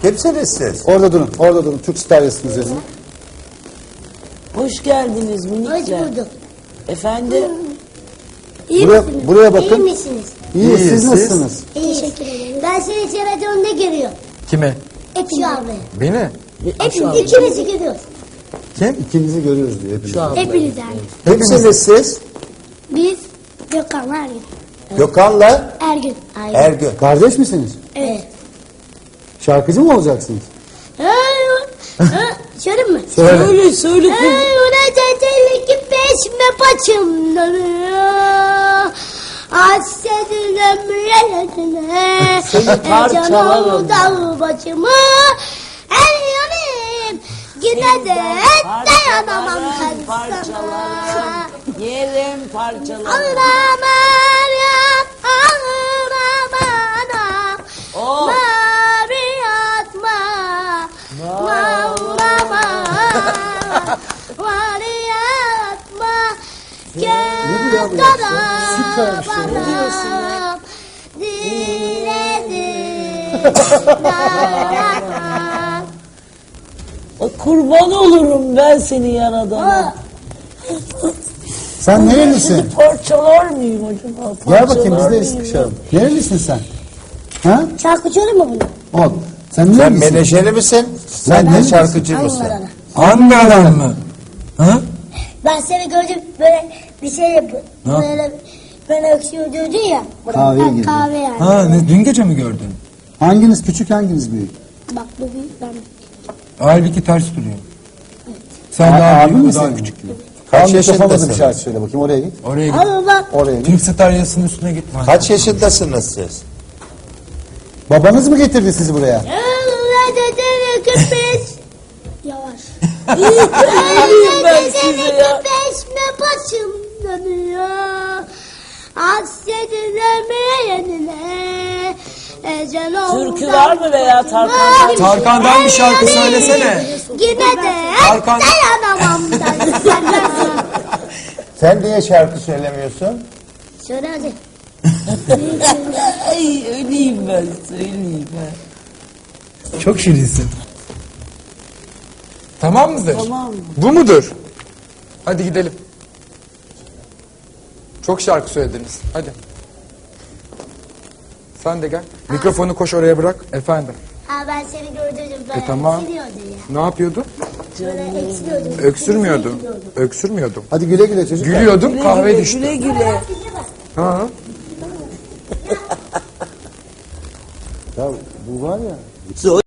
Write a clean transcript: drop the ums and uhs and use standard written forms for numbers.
Kimsiniz siz? Orada durun, orada durun. Türk Star yazısının üzerine. Hoş geldiniz minikler. Hoş bulduk. Efendim? İyi Buraya- misiniz? buraya bakın. İyi misiniz? İyi, siz siz? nasılsınız? Teşekkür ederim. Ben seni televizyonda görüyorum. Kime? Ekşi abi. Beni? Hepimiz ikimizi görüyoruz. Kim? İkinizi görüyoruz diyor hepimiz. Hepiniz abi. Kimsiniz siz? Biz Gökhan Ergün. Gökhan'la Ergün. Ergün. Kardeş misiniz? Evet. Şarkıcı mı olacaksınız? Söyleyeyim mi? Söyle söyle kız. Öğretmenlik peşme paçımdan hassetin ömrüne Seni parçalarım. dağ başımı el yanayım yine de dayanamam ben sana. Parçalarım. Yerim parçalarım. Ağlamam ya ağlamam anam Oh. mavi atma ağlama mavi atma gel Süper bir şey. bana diledim dayanamam. Kurban olurum ben seni yaradana. Sen nerelisin? Parçalar mıyım acaba? Gel bakayım Parçalar biz de mıyım sıkışalım. Nerelisin sen? Ha? Şarkı söyleyeyim mi bunu? Ol. Sen Sen nerelisin? menajeri misin? Sen de nerelisin? şarkıcı mısın? Ankara'da. Ankara'dan mı? Ha? Ben seni gördüm böyle bir şey yapıyor. Böyle öksürüyor diyordun ya. Kahveye Ha, girdin. kahve yani. Ha, dün gece mi gördün? Hanginiz küçük hanginiz büyük? Bak bu büyük ben. Halbuki ters duruyor. Sen Abi daha büyük, mi o daha senin? küçük. Kaç Tamam, mikrofona da bir yaşındasınız? şarkı söyle bakayım oraya git. Oraya git. Ama bak. Oraya git. Türk Star yazısının üstüne git. Kaç yaşındasınız siz? Babanız mı getirdi sizi buraya? Yavaş. Öleyim ben size ya. Peşme başım dönüyor. Hasretin ömrüne. Ecel oldu. Türkü var mı veya Tarkan'dan? Tarkan'dan bir şarkı söylesene. Yine de Tarkan- dayanamam ben sana. Sen niye şarkı söylemiyorsun? Söyle hadi. Ay öleyim ben söyleyeyim ben. Çok şirinsin. Tamam mıdır? Tamam. Bu mudur? Hadi gidelim. Çok şarkı söylediniz. Hadi. Sen de gel. Mikrofonu koş oraya bırak. Efendim. Ha ben seni gördüm. Ben tamam. öksürüyordu ya. Ne yapıyordu? Böyle öksürüyordum. Öksürmüyordu. Öksürmüyordum. Hadi güle güle çocuklar. Gülüyordum, kahve Güle düştü. güle güle. Ha. Ya bu var ya.